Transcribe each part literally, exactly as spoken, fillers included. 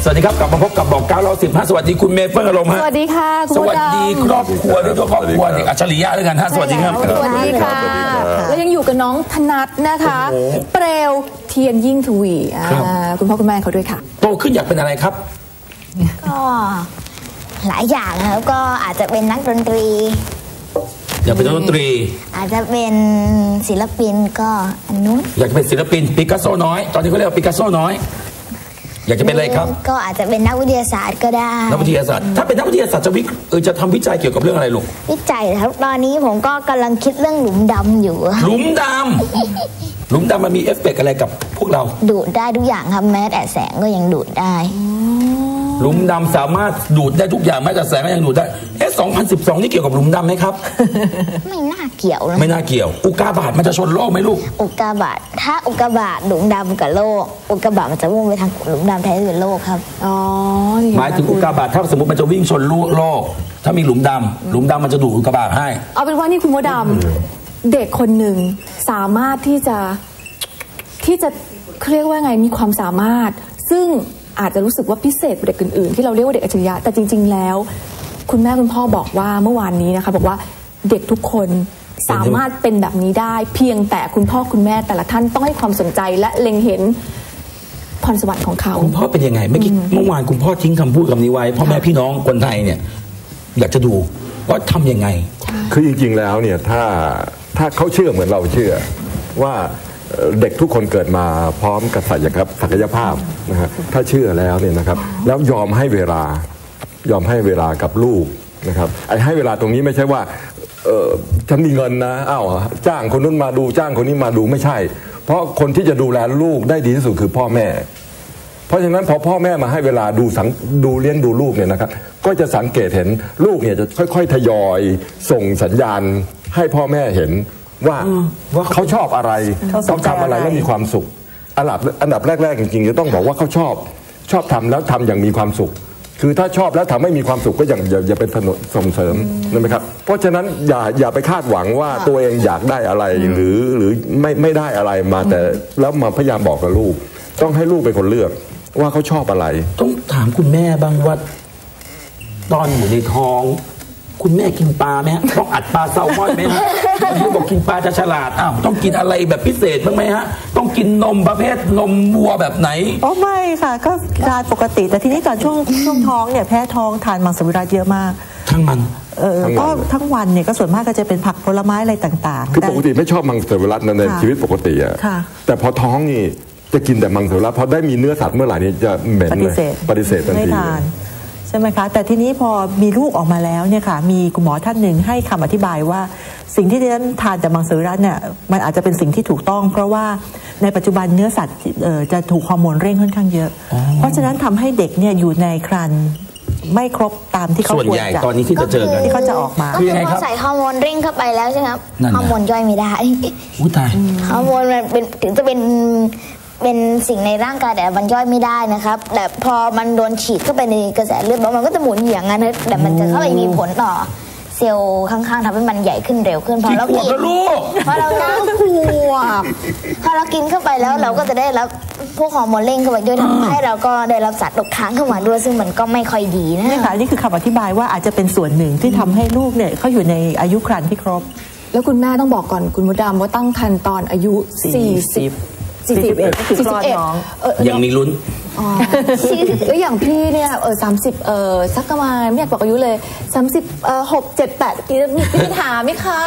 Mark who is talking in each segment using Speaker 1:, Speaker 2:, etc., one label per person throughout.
Speaker 1: สวัสดีครับกลับมาพบกับบอกเก้าเราสิบห้าสวัสดีคุณเมย์เฟิร์นอารมณ์ฮะ
Speaker 2: สวัสดีค่ะ
Speaker 1: สวัสดีครอบครัวด้วยครอบครัวเด็กอัจฉริยะด้วยกันฮะสวัสดีครับ
Speaker 2: สวัสดีค่ะแล้วยังอยู่กับน้องธนัทนะคะเปลวเทียนยิ่งทวีคุณพ่อคุณแม่เขาด้วยค่ะ
Speaker 1: โตขึ้นอยากเป็นอะไรครับ
Speaker 3: ก็หลายอย่างครับก็อาจจะเป็นนักดนตรี
Speaker 1: อยากเป็นนักดนตรี
Speaker 3: อาจจะเป็นศิลปินก็อันนู้น
Speaker 1: อยากเป็นศิลปินปิกัสโซน้อยตอนนี้เขาเรียกว่าปิกัสโซน้อยอยากจะเป็นอะไรครับ
Speaker 3: ก็อาจจะเป็นนักวิทยาศาสตร์ก็ได้
Speaker 1: นักวิทยาศาสตร์ถ้าเป็นนักวิทยาศาสตร์จะวิเออจะทำวิจัยเกี่ยวกับเรื่องอะไรลูก
Speaker 3: วิจัยครับตอนนี้ผมก็กำลังคิดเรื่องหลุมดำอยู่
Speaker 1: หลุมดำหลุมดำมันมีเอฟเฟกต์อะไรกับพวกเรา
Speaker 3: ดูดได้ทุกอย่างครับแม้แต่แสงก็ยังดูดได้
Speaker 1: หลุมดำสามารถดูดได้ทุกอย่างแม้แต่แสงก็ยังดูดได้เอ๊ะสองพันสิบสองนี่เกี่ยวกับหลุมดำไหมครับ
Speaker 3: ไม่น่าเกี่ยวนะ
Speaker 1: ไม่น่าเกี่ยวอุกาบาตมันจะชนโลกไหมลูก
Speaker 3: อุกาบาตถ้าอุกาบาตหลุมดำกับโลกอุกาบาตมันจะวิ่งไปทางหลุมดำแทนที่เป็นโลกครับ
Speaker 2: อ๋อ
Speaker 1: หมายถึงอุกาบาตถ้าสมมติมันจะวิ่งชนโลกถ้ามีหลุมดำหลุมดำมันจะดูดอุกาบาตให้
Speaker 2: เอาเป็นว่านี่คุณมดดำเด็กคนหนึ่งสามารถที่จะที่จะเรียกว่าไงมีความสามารถซึ่งอาจจะรู้สึกว่าพิเศษกว่าเด็กอื่นๆที่เราเรียกว่าเด็กอัจฉริยะแต่จริงๆแล้วคุณแม่คุณพ่อบอกว่าเมื่อวานนี้นะคะบอกว่าเด็กทุกคนสามารถเป็นแบบนี้ได้เพียงแต่คุณพ่อคุณแม่แต่ละท่านต้องให้ความสนใจและเล็งเห็นพรสวรรค์ของเขา
Speaker 1: คุณพ่อเป็นยังไงเมื่อกี้เมื่อวานคุณพ่อทิ้งคำพูดคำนี้ไว้พ่อแม่พี่น้องคนไทยเนี่ยอยากจะดูว่าทำยังไง
Speaker 4: คือจริงๆแล้วเนี่ยถ้าถ้าเขาเชื่อเหมือนเราเชื่อว่าเด็กทุกคนเกิดมาพร้อมกับศักยภาพนะฮะถ้าเชื่อแล้วเนี่ยนะครับแล้วยอมให้เวลายอมให้เวลากับลูกนะครับไอ้ให้เวลาตรงนี้ไม่ใช่ว่าเออฉันมีเงินนะอ้าวจ้างคนนู้นมาดูจ้างคนนี้มาดูไม่ใช่เพราะคนที่จะดูแลลูกได้ดีที่สุดคือพ่อแม่เพราะฉะนั้นพอพ่อแม่มาให้เวลาดูสังดูเลี้ยงดูลูกเนี่ยนะครับก็จะสังเกตเห็นลูกเนี่ยจะค่อยๆทยอยส่งสัญญาณให้พ่อแม่เห็นว่าว่าเขาชอบอะไรต้องทำอะไรแล้วมีความสุขอันดับอันดับแรกๆจริงๆจะต้องบอกว่าเขาชอบชอบทำแล้วทำอย่างมีความสุขคือถ้าชอบแล้วทำให้มีความสุขก็อย่างอย่าอย่าเป็นส่งเสริมนะครับเพราะฉะนั้นอย่าอย่าไปคาดหวังว่าตัวเองอยากได้อะไรหรือหรือไม่ไม่ได้อะไรมาแต่แล้วมาพยายามบอกกับลูกต้องให้ลูกเป็นคนเลือกว่าเขาชอบอะไร
Speaker 1: ต้องถามคุณแม่บ้างว่าตอนอยู่ในท้องคุณแม่กินปลาไหมฮะต้องอัดปลาแซลมอนไหมฮะคุณบอกกินปลาจะฉลาดอ้าวต้องกินอะไรแบบพิเศษบ้างไหมฮะต้องกินนมประเภทนมวัวแบบไหน
Speaker 5: อ๋อไม่ค่ะก็ทานปกติแต่ทีนี้ตอนช่วงช่วงท้องเนี่ยแพ้ท้องทานมังสวิรัติเยอะมาก
Speaker 1: ทั้งมัน
Speaker 5: เออก็ทั้งวันเนี่ยก็ส่วนมากก็จะเป็นผักผลไม้อะไรต่างๆ
Speaker 4: คือปกติไม่ชอบมังสวิรัติในชีวิตปกติอะแต่พอท้องนี่จะกินแต่มังสวิรัติพอได้มีเนื้อสัตว์เมื่อไหร่นี่จะเหม็นเลยปฏิเสธทันที
Speaker 5: ใช่ไหมคะแต่ทีนี้พอมีลูกออกมาแล้วเนี่ยค่ะมีคุณหมอท่านหนึ่งให้คำอธิบายว่าสิ่งที่ดิฉันทานจากมังสวิรัติเนี่ยมันอาจจะเป็นสิ่งที่ถูกต้องเพราะว่าในปัจจุบันเนื้อสัตว์จะถูกฮอร์โมนเร่งค่อนข้างเยอะเพราะฉะนั้นทำให้เด็กเนี่ยอยู่ในครรภ์ไม่ครบตามที่เขาควรจะส่วนใหญ่
Speaker 1: ตอนนี้ที่จะเจอกัน
Speaker 5: ที่เขาจะออกมา
Speaker 3: คือพอใส่ฮอร์โมนเร่งเข้าไปแล้วใช่ไหมครับฮอร์โมนย่อยไม่ได้
Speaker 1: อุ้ยตาย
Speaker 3: ฮอร์โมนมันเป็นถึงจะเป็นเป็นสิ่งในร่างกายแต่มันย่อยไม่ได้นะครับแต่พอมันโดนฉีดเข้าไปในกระแสเลือดมันก็จะหมุนอย่างนั้นแต่มันจะเข้าไปมีผลต่อเซลล์ข้างๆทำให้มันใหญ่ขึ้นเร็วขึ้นพอเรากินพอเราน้ำขวบพอเรากินเข้าไปแล้วเราก็จะได้รับพวกฮอร์โมนเร่งเข้าไปด้วยทำให้เราก็ได้รับสารตกค้างเข้ามาด้วยซึ่งมันก็ไม่ค่อยดีนะ
Speaker 5: นี่ค่ะนี่คือคำอธิบายว่าอาจจะเป็นส่วนหนึ่งที่ทำให้ลูกเนี่ยเขาอยู่ในอายุครรภ์ที่ครบ
Speaker 2: แล้วคุณแม่ต้องบอกก่อนคุณมดดำว่าตั้งครรภ์ตอนอายุสี่สิบสี่สิบเอ็ดสี่สิบเอ็ด
Speaker 1: ยังมีลุ้น
Speaker 2: อ๋อแล้วอย่างพี่เนี่ยเออสามสิบเออสักประมาณไม่อยากบอกอายุเลยสามสิบเออหกเจ็ดแปดพี่พี่ถามไหมคะ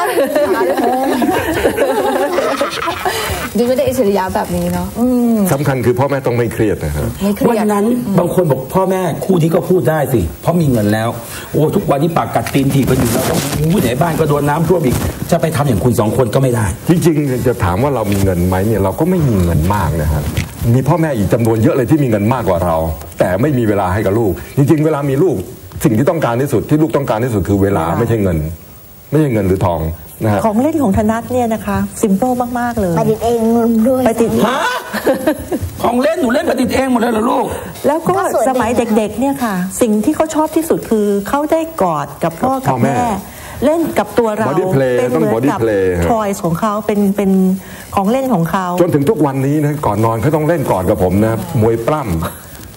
Speaker 2: ดิไม่ได้อิสริยะแบบนี้เนาะ
Speaker 4: สำคัญคือพ่อแม่ต้องไม่เครียดนะครับ
Speaker 1: วันนั้นบางคนบอกพ่อแม่คู่นี้ก็พูดได้สิเพราะมีเงินแล้วโอ้ทุกวันนี้ปากกัดตีนถีบกันอยู่แล้วต้องผู้ใหญ่บ้านก็โดนน้ำท่วมอีกจะไปทำอย่างคุณสองคนก็ไม่ได้
Speaker 4: จริงๆจะถามว่าเรามีเงินไหมเนี่ยเราก็ไม่มีเงินมากนะครับมีพ่อแม่อีกจำนวนเยอะเลยที่มีเงินมากกว่าเราแต่ไม่มีเวลาให้กับลูกจริงๆเวลามีลูกสิ่งที่ต้องการที่สุดที่ลูกต้องการที่สุดคือเวลาไม่ใช่เงินไม่ใช่เงินหรือทองนะฮะ
Speaker 5: ของเล่นของธนัทเนี่ยนะคะซิมเปิลมากๆเลย
Speaker 3: ประดิษฐ์เองด้วย
Speaker 5: ประดิษฐ์
Speaker 1: ฮะของเล่นหนูเล่นประดิษฐ์เองหมดเลยเหรอลูก
Speaker 5: แล้วก็สมัยเด็กๆเนี่ยค่ะสิ่งที่เขาชอบที่สุดคือเขาได้กอดกับพ่อกับแม่เล่นกับตัวเรา
Speaker 4: เป็นเหมือนกับ
Speaker 5: ทอยของเขาเป็นเป็นของเล่นของเขา
Speaker 4: จนถึงทุกวันนี้นะก่อนนอนเขาต้องเล่นกอดกับผมนะมวยปล้ำ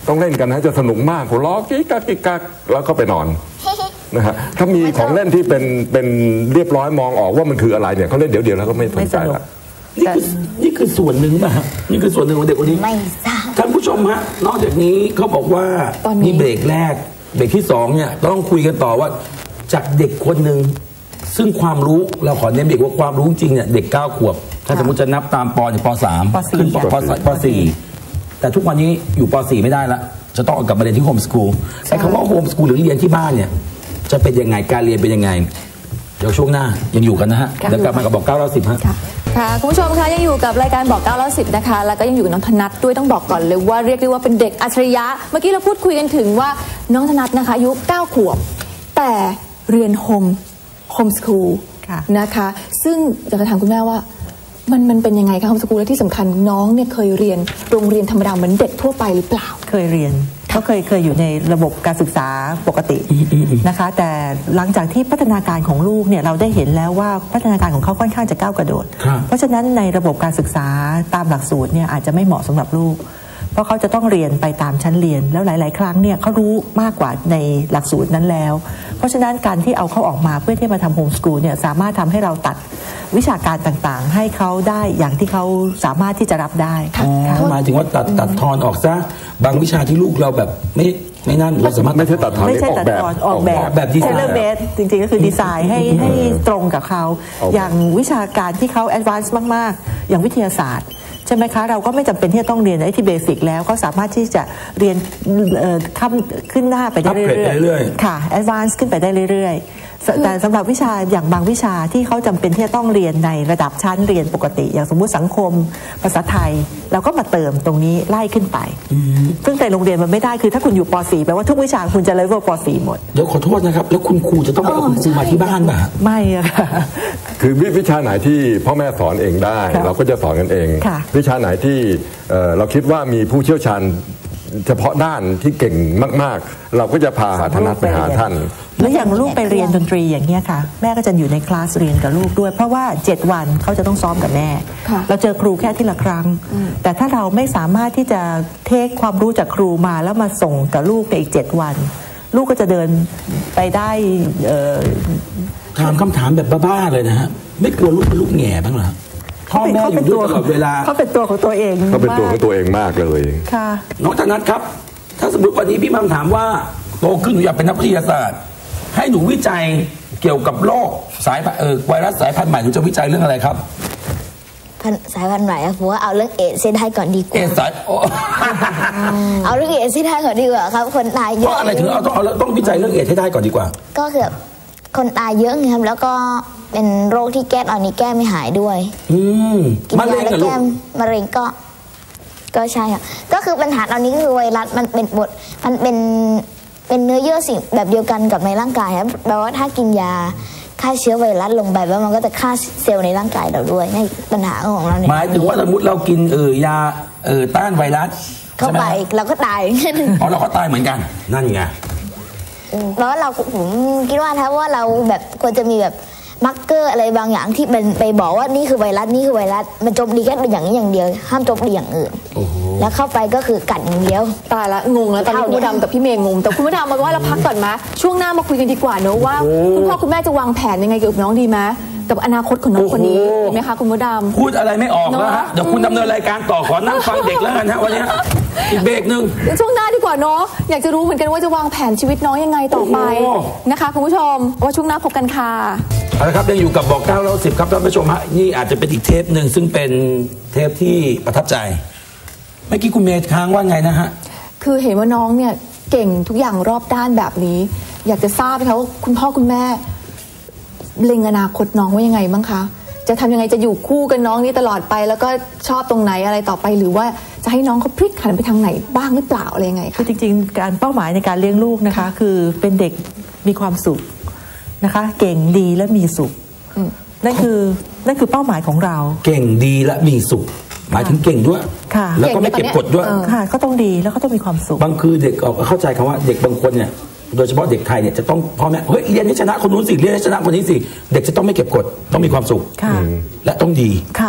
Speaker 4: ต้องเล่นกันนะจะสนุกมากหัวเราะกิ๊กกักกิ๊กกักแล้วก็ไปนอนนะฮะถ้ามีของเล่นที่เป็นเป็นเรียบร้อยมองออกว่ามันคืออะไรเนี่ยเขาเล่นเดี๋ยวเดียวแล้วก็ไม่สนใจละ
Speaker 1: นี่คือนี่คือส่วนหนึ่งนะฮะนี่คือส่วนหนึ่งของเด็กคนนี้
Speaker 3: ไม่ทราบ
Speaker 1: ท่านผู้ชมฮะนอกจากนี้เขาบอกว่า
Speaker 2: ตอนนี้
Speaker 1: นี่เบรกแรกเบรกที่สองเนี่ยต้องคุยกันต่อว่าจากเด็กคนหนึ่งซึ่งความรู้เราขอเน้นเด็กว่าความรู้จริงเนี่ยเด็กเก้าขวบถ้าสมมติจะนับตามปเนี่ยปสาม
Speaker 5: ปสี่
Speaker 1: ขึ้นปปปสี่แต่ทุกวันนี้อยู่ปสี่ไม่ได้ละจะต้องเอากลับมาเรียนที่โฮมสกูลใช้คำว่าโฮมสกูลหรือเรียนที่บ้านเนี่ยจะเป็นยังไงการเรียนเป็นยังไงเดี๋ยวช่วงหน้ายังอยู่กันนะฮะเดี๋ยวกลับมากับบอกเก้าเราสิบฮะ
Speaker 2: ค่ะค่ะคุณผู้ชมคะยังอยู่กับรายการบอกเก้าแล้วสิบนะคะแล้วก็ยังอยู่กับน้องธนัทด้วยต้องบอกก่อนเลยว่าเรียกได้ว่าเป็นเด็กอัจฉริยะเมื่อกี้เราพูดคุยกันถึงว่าน้องธนัทนะคะอายุเก้าขวบแต่เรียนโฮมโฮมสคูล
Speaker 5: ค่ะ
Speaker 2: นะคะซึ่งอยากจะถามคุณแม่ว่ามันมันเป็นยังไงคะโฮมสคูลและที่สำคัญน้องเนี่ยเคยเรียนโรงเรียนธรรมดาเหมือนเด็กทั่วไปหรือเปล่า
Speaker 5: เคยเรียนเขาเคยเคยอยู่ในระบบการศึกษาปกตินะคะแต่หลังจากที่พัฒนาการของลูกเนี่ยเราได้เห็นแล้วว่าพัฒนาการของเขาค่อนข้างจะก้าวกระโดด
Speaker 1: ครับ
Speaker 5: เพราะฉะนั้นในระบบการศึกษาตามหลักสูตรเนี่ยอาจจะไม่เหมาะสำหรับลูก เพราะเขาจะต้องเรียนไปตามชั้นเรียนแล้วหลาย ๆ ครั้งเนี่ยเขารู้มากกว่าในหลักสูตรนั้นแล้ว เพราะฉะนั้นการที่เอาเขาออกมาเพื่อที่มาทำโฮมสกูลเนี่ยสามารถทำให้เราตัดวิชาการต่างๆ ให้เขาได้อย่างที่เขาสามารถที่จะรับได้
Speaker 1: อ๋อหมายถึงว่าตัดตัดทอนออกซะบางวิชาที่ลูกเราแบบไม่ไม่นั่นเราสามารถ
Speaker 4: ไม่ใช่ตัดทอน
Speaker 5: ไม่ใช่
Speaker 4: ออก
Speaker 5: ตัด
Speaker 4: แบบ
Speaker 5: ตอนออกแบบ
Speaker 1: แบบดีไซน์
Speaker 5: เทเลเมดจริงๆก็คือดีไซน์ให้ให้ตรงกับเขา
Speaker 4: ออกแบบ
Speaker 5: อย่างวิชาการที่เขาแอดวานซ์มากๆ อย่างวิทยาศาสตร์ใช่ไหมคะเราก็ไม่จำเป็นที่จะต้องเรียนไอ้ที่เบสิกแล้วก็สามารถที่จะเรียนเอ่อข้ามขึ้นหน้าไปได้
Speaker 1: อัปเกรด
Speaker 5: เรื่
Speaker 1: ไปเรื่
Speaker 5: อ
Speaker 1: อย
Speaker 5: ยๆค่ะแอดวานซ์ขึ้นไปได้เรื่อยๆสแต่สำหรับวิชาอย่างบางวิชาที่เขาจำเป็นที่จะต้องเรียนในระดับชั้นเรียนปกติ อย่างสมมุติสังคมภาษาไทยเราก็มาเติมตรงนี้ไล่ขึ้นไปซึ่งในโรงเรียนมันไม่ได้คือถ้าคุณอยู่ป .สี่ แปลว่าทุกวิชาคุณจะเลเวลป .สี่ หมด
Speaker 1: เดี๋ยวขอโทษนะครับ แล้วคุณครูจะต้องไปเอาคุณครูมาที่บ้านป่ะ
Speaker 5: ไม่อะค่ะ
Speaker 4: คือวิชาไหนที่พ่อแม่สอนเองได้
Speaker 5: ค่ะ
Speaker 4: เราก็จะสอนกันเอง
Speaker 5: ค่ะ
Speaker 4: วิชาไหนที่เอ่อเราคิดว่ามีผู้เชี่ยวชาญเฉพาะด้านที่เก่งมากๆ เราก็จะพาธนัทไปหาท่าน
Speaker 5: แล้วอย่างลูกไปเรียนดนตรีอย่างเงี้ยค่ะแม่ก็จะอยู่ในคลาสเรียนกับลูกด้วย เพราะว่าเจ็ดวันเขาจะต้องซ้อมกับแม่
Speaker 2: ค่ะ
Speaker 5: เราเจอครูแค่ที่ละครั้ง แต่ถ้าเราไม่สามารถที่จะเทคความรู้จากครูมาแล้วมาส่งกับลูกในอีกเจ็ดวัน ลูกก็จะเดินไปได้เอ่อ
Speaker 1: ถามคำถามแบบบ้าๆเลยนะฮะ ไม่กลัวลูกเป็นลูกแง่บ้างเหรอพ่อแม่อยู่ด้วยตลอดเวลา
Speaker 5: เขาเป็นตัวของตัวเอง
Speaker 4: เขาเป็นตัวของตัวเองมากเลย
Speaker 5: ค่ะ
Speaker 1: น้องธนัทครับ ถ้าสมมติวันนี้พี่มัมถามว่าโตขึ้นหนูอยากเป็นนักวิทยาศาสตร์ ให้หนูวิจัยเกี่ยวกับโรคสายพันธุ์เออไวรัสสายพันธุ์ใหม่หนูจะวิจัยเรื่องอะไรครับ
Speaker 3: พันสายพันธุ์ใหม่อะผมว่าเอาเรื่องเอดส์ให้ได้ก่อนดีก
Speaker 1: เอ
Speaker 3: ว่า
Speaker 1: สายโอ้
Speaker 3: เอาเรื่องเอดส์ให้ได้ก่อนดีกว่าครับคนตาย
Speaker 1: เพ
Speaker 3: เยอะ
Speaker 1: ราะอะไรถึงเอาต้องเอาต้องวิจัยเรื่องเอดส์ให้ได้ก่อนดีกว่า
Speaker 3: ก็คือแบบคนตายเยอะไงครับแล้วก็เป็นโรคที่แก้ตอนนี้แก้ไม่หายด้วย
Speaker 1: อืม
Speaker 3: กิน
Speaker 1: มะเร็
Speaker 3: ยาง แล้ว
Speaker 1: กับลู
Speaker 3: แก้
Speaker 1: ก
Speaker 3: มะเร็งก็ ก็ใช่ค่ะก็คือปัญหาตอนนี้ก็คือไวรัสมันเป็นบทมันเป็นเป็นเนื้อเยื่อสิ่งแบบเดียวกันกับในร่างกายครับแปลว่าถ้ากินยาฆ่าเชื้อไวรัสลงไปแล้วมันก็จะฆ่าเซลล์ในร่างกายเราด้วยในปัญหาของเราเนี่ย
Speaker 1: หมายถึงว่าสมมติเรากินเออยาเออต้านไวรัส
Speaker 3: เข้าไป
Speaker 1: ใช่หม
Speaker 3: เราก็ตาย
Speaker 1: อ๋อเราก็ตายเหมือนกัน นั่นไง
Speaker 3: แล้วเราผมคิดว่าถ้าว่าเราแบบควรจะมีแบบมาร์กเกอร์อะไรบางอย่างที่เป็นไปบอกว่านี่คือไวรัสนี่คือไวรัสมันโจมตีแค่เป็นอย่างนี้อย่างเดียวห้ามโจมตีอย่างอื่น
Speaker 1: โอ้โห
Speaker 3: แล้วเข้าไปก็คือกัดอย่างเดียว
Speaker 2: ตายละงงแล้วตอนนี้คุณผู้ดำกับพี่เมย์งงแต่คุณผู้ดำมาว่าเราพักก่อนไหมช่วงหน้ามาคุยกันดีกว่าเนอะว่าคุณพ่อคุณแม่จะวางแผนยังไงกับน้องดีไหมกับอนาคตของน้องคนนี้
Speaker 1: โอ้โห
Speaker 2: ดีไหมคะคุณผู้ดำ
Speaker 1: พูดอะไรไม่ออกแล้วฮะ
Speaker 2: เนอะ
Speaker 1: เดี๋ยวคุณดำเนินรายการต่อขอนั่งฟังเด็กแล้วกันฮะวันนี้อีกเบรกหนึ่ง
Speaker 2: ช่วงหน้าดีกว่าเนาะอยากจะรู้เหมือนกันว่าจะวางแผนชีวิตน้องยังไงต่อไป
Speaker 1: โอ้
Speaker 2: นะคะคุณผู้ชมว่าช่วงหน้าพบกันค่ะ
Speaker 1: เอาละครับยังอยู่กับบอกเก้าแล้วสิบครับท่านผู้ชมฮะนี่อาจจะเป็นอีกเทปหนึ่งซึ่งเป็นเทปที่ประทับใจเมื่อกี้คุณเมย์ค้างว่าไงนะฮะ
Speaker 2: คือเห็นว่าน้องเนี่ยเก่งทุกอย่างรอบด้านแบบนี้ อยากจะทราบไหมคะว่าคุณพ่อคุณแม่เล็งอนาคตน้องว่ายังไงบ้างคะจะทำยังไงจะอยู่คู่กับน้องนี่ตลอดไป แล้วก็ชอบตรงไหนอะไรต่อไปหรือว่าจะให้น้องเขาพลิกหันไปทางไหนบ้างหรือเปล่าอะไรยังไง
Speaker 5: คื
Speaker 2: คะ
Speaker 5: อจริงๆ การเป้าหมายในการเลี้ยงลูกนะคะ คือเป็นเด็กมีความสุขนะคะ เก่งดีและมีสุขนั่นคือนั่นคือเป้าหมายของเรา
Speaker 1: เก่งดีและมีสุข หมายถึงเก่งด้วย
Speaker 5: ค่ะ
Speaker 1: แล้วก็ไม่เก็บกดด้วย
Speaker 2: เออ
Speaker 5: ค่ะก็ต้องดีแล้วก็ต้องมีความสุข
Speaker 1: บางคือเด็กเอาเข้าใจคำว่าเด็กบางคนเนี่ยโดยเฉพาะเด็กไทยเนี่ยจะต้องพ่อแม่เฮ้ยเรียนให้ชนะคนนู้นสิเรียนให้ชนะคนนี้สิเด็กจะต้องไม่เก็บกดต้องมีความสุข
Speaker 5: ค่ะ
Speaker 1: และต้องดี
Speaker 5: ค่ะ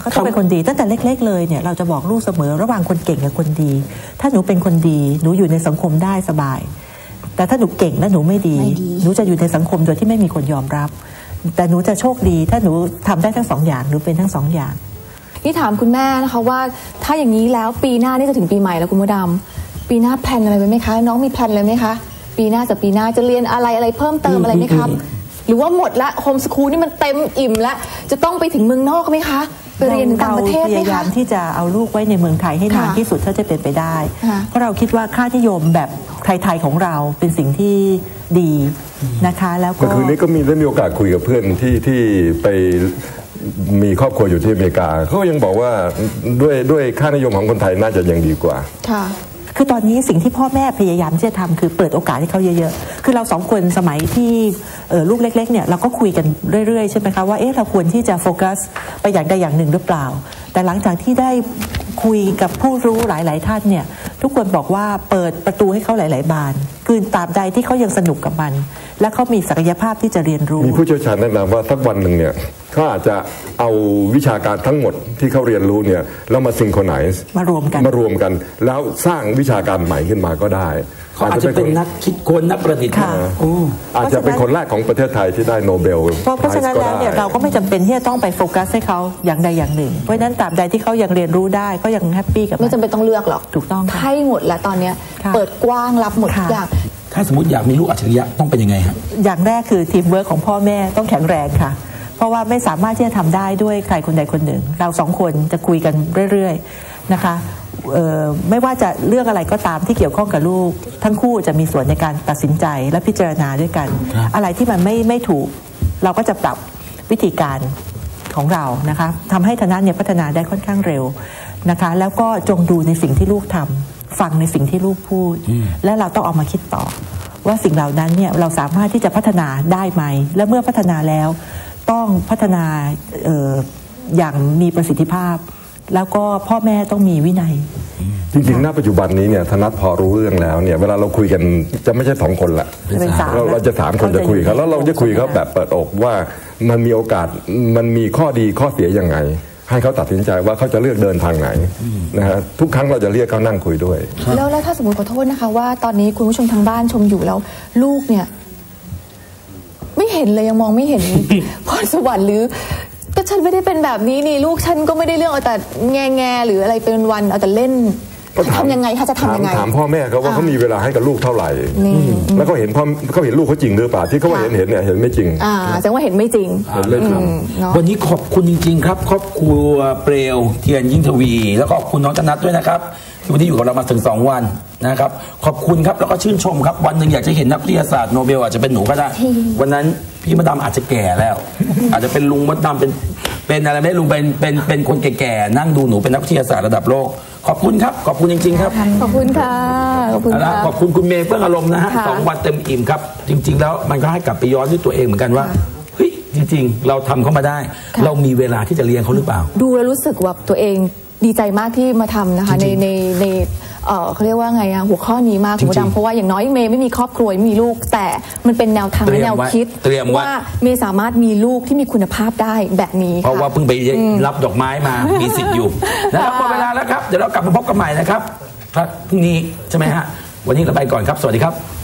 Speaker 5: ก็ต้องเป็นคนดีตั้งแต่เล็กๆเลยเนี่ยเราจะบอกลูกเสมอระหว่างคนเก่งกับคนดีถ้าหนูเป็นคนดีหนูอยู่ในสังคมได้สบายแต่ถ้าหนูเก่งและหนูไม่ดีหนูจะอยู่ในสังคมโดยที่ไม่มีคนยอมรับแต่หนูจะโชคดีถ้าหนูทำได้ทั้งสองอย่างหนูเป็นทั้งสองอย่าง
Speaker 2: นี่ถามคุณแม่นะคะว่าถ้าอย่างนี้แล้วปีหน้านี่จะถึงปีใหม่แล้วคุณมดดำปีหน้าแพลนอะไรไหมคะน้องมีแพลนอะไรไหมคะปีหน้าจากปีหน้าจะเรียนอะไรอะไรเพิ่มเติมอะไรไหมครับหรือว่าหมดละโฮมสคูลนี่มันเต็มอิ่มแล้วจะต้องไปถึงเมืองนอกไหมคะไปเรียนต่างประเทศไหมคะพยายาม
Speaker 5: ที่จะเอาลูกไว้ในเมืองไทยให้นานที่สุดเท่าจะเป็นไปได้เพราะเราคิดว่าค่านิยมแบบไทยๆของเราเป็นสิ่งที่ดีนะคะแล้วก็
Speaker 4: คืนนี้ก็มีได้มีโอกาสคุยกับเพื่อนที่ที่ไปมีครอบครัวอยู่ที่อเมริกาเขายังบอกว่าด้วยด้วยค่านิยมของคนไทยน่าจะยังดีกว่า
Speaker 5: ค่ะคือตอนนี้สิ่งที่พ่อแม่พยายามที่จะทำคือเปิดโอกาสให้เขาเยอะๆคือเราสองคนสมัยที่ลูกเล็กๆเนี่ยเราก็คุยกันเรื่อยๆใช่ไหมคะว่าเอ๊ะเราควรที่จะโฟกัสไปอย่างใดอย่างหนึ่งหรือเปล่าแต่หลังจากที่ได้คุยกับผู้รู้หลายๆท่านเนี่ยทุกคนบอกว่าเปิดประตูให้เขาหลายๆบานคือตราบใดที่เขายังสนุกกับมันและเขามีศักยภาพที่จะเรียนรู้
Speaker 4: มีผู้เชี่ยวชาญแนะนำว่าสักวันหนึ่งเนี่ยเขาอาจจะเอาวิชาการทั้งหมดที่เขาเรียนรู้เนี่ยแล้วมาซิงโครไนซ์
Speaker 5: มารวมกัน
Speaker 4: มารวมกันแล้วสร้างวิชาการใหม่ขึ้นมาก็ได้
Speaker 1: เขาอาจจะเป็นนักคิดค้นนักประดิษฐ์
Speaker 4: อาจจะเป็นคนแรกของประเทศไทยที่ได้โนเบล
Speaker 5: เพราะฉะนั้นแล้วเนี่ยเราก็ไม่จำเป็นที่จะต้องไปโฟกัสให้เขาอย่างใดอย่างหนึ่งเพราะฉะนั้นตราบใดที่เขายังเรียนรู้ได้ก็ยังแฮปปี้กับ
Speaker 2: ไม่จำเป็นต้องเลือกหรอก
Speaker 5: ถูกต้อง
Speaker 2: ให้หมดแล้วตอนนี้เปิดกว้างรับหมดทุกอย่าง
Speaker 1: ถ้าสมมติอยากมีลูกอัจฉริยะต้องเป็นยังไงครับ
Speaker 5: อย่างแรกคือทีมเวิร์คของพ่อแม่ต้องแข็งแรงค่ะเพราะว่าไม่สามารถที่จะทำได้ด้วยใครคนใดคนหนึ่งเราสองคนจะคุยกันเรื่อยๆนะคะไม่ว่าจะเรื่องอะไรก็ตามที่เกี่ยวข้องกับลูกทั้งคู่จะมีส่วนในการตัดสินใจและพิจารณาด้วยกันอะไรที่มันไม่ไม่ถูกเราก็จะปรับวิธีการของเรานะคะทำให้ธนาเนี่ยพัฒนาได้ค่อนข้างเร็วนะคะแล้วก็จงดูในสิ่งที่ลูกทำฟังในสิ่งที่ลูกพูดและเราต้องเอามาคิดต่อว่าสิ่งเหล่านั้นเนี่ยเราสามารถที่จะพัฒนาได้ไหมและเมื่อพัฒนาแล้วต้องพัฒนา อ, ออย่างมีประสิทธิภาพแล้วก็พ่อแม่ต้องมีวินัย
Speaker 4: จริงๆณปัจจุบันนี้เนี่ยธนัทพอรู้เรื่องแล้วเนี่ยเวลาเราคุยกันจะไม่ใช่สองคนละเราเราจะสามคนจะคุยกันแล้วเราจะคุยเขาแบบเปิดอกว่ามันมีโอกาสมันมีข้อดีข้อเสียยังไงให้เขาตัดสินใจว่าเขาจะเลือกเดินทางไหนนะฮะทุกครั้งเราจะเรียกเขานั่งคุยด้วย
Speaker 2: แล้วแล้วถ้าสมมติขอโทษนะคะว่าตอนนี้คุณผู้ชมทางบ้านชมอยู่แล้วลูกเนี่ยไม่เห็นเลยยังมองไม่เห็นพรสวรรค์หรือก็ฉันไม่ได้เป็นแบบนี้นี่ลูกฉันก็ไม่ได้เรื่องเอาแต่แง่แง่หรืออะไรเป็นวันเอาแต่เล่นทำยังไงถ้าจะทำยังไง
Speaker 4: ถามพ่อแม่เขาว่าเขามีเวลาให้กับลูกเท่าไหร่แล้วก็เห็นพ่อเขาเห็นลูกเขาจริงหรือเปล่าที่เขาว่าเห็นเห็นเนี่ยเห็นไม่จริง
Speaker 2: อ่าแสดงว่าเห็นไม่จริง
Speaker 4: เห็นไม่จริง
Speaker 1: วันนี้ขอบคุณจริงๆครับครอบครัวเปลวเทียนยิ่งทวีแล้วก็ขอบคุณน้องธนัทด้วยนะครับที่วันนี้อยู่กับเรามาถึงสองวันนะครับขอบคุณครับแล้วก็ชื่นชมครับวันหนึ่งอยากจะเห็นนักวิทยาศาสตร์โนเบลอาจจะเป็นหนูก็ได้วันนั้นพี่มดดำอาจจะแก่แล้วอาจจะเป็นลุงมดดำเป็นเป็นอะไรไม่ลุงเป็นเป็นเป็นคนแก่ๆนั่งดูหนูเป็นนักวิทยาศาสตร์ระดับโลกขอบคุณครับขอบคุณจริงๆครับ
Speaker 2: ขอบคุณค่ะขอบคุณค่ะ
Speaker 1: ขอบคุณคุณเมย์เฟื่องอารมณ์นะฮะสองวันเต็มอิ่มครับจริงๆแล้วมันก็ให้กลับไปย้อนด้วยตัวเองเหมือนกันว่าเฮ้ยจริงๆเราทำเขามาได้เรามีเวลาที่จะเลี้ยงเขาหรือเปล่า
Speaker 2: ดูแล้วรู้สึกว่าตัวเองดีใจมากที่มาทำนะคะในในในเออเขาเรียกว่าไงอะหัวข้อนี้มากคุณดำเพราะว่าอย่างน้อยเมย์ไม่มีครอบครัวไม่มีลูกแต่มันเป็นแนวทางและแนวคิดว่าเมย์สามารถมีลูกที่มีคุณภาพได้แบบนี้
Speaker 1: เพราะว่าเพิ่งไปรับดอกไม้มามีสิทธิ์อยู่นะครับหมดเวลาแล้วครับเดี๋ยวเรากลับมาพบกันใหม่นะครับพรุ่งนี้ใช่ไหมฮะวันนี้เราไปก่อนครับสวัสดีครับ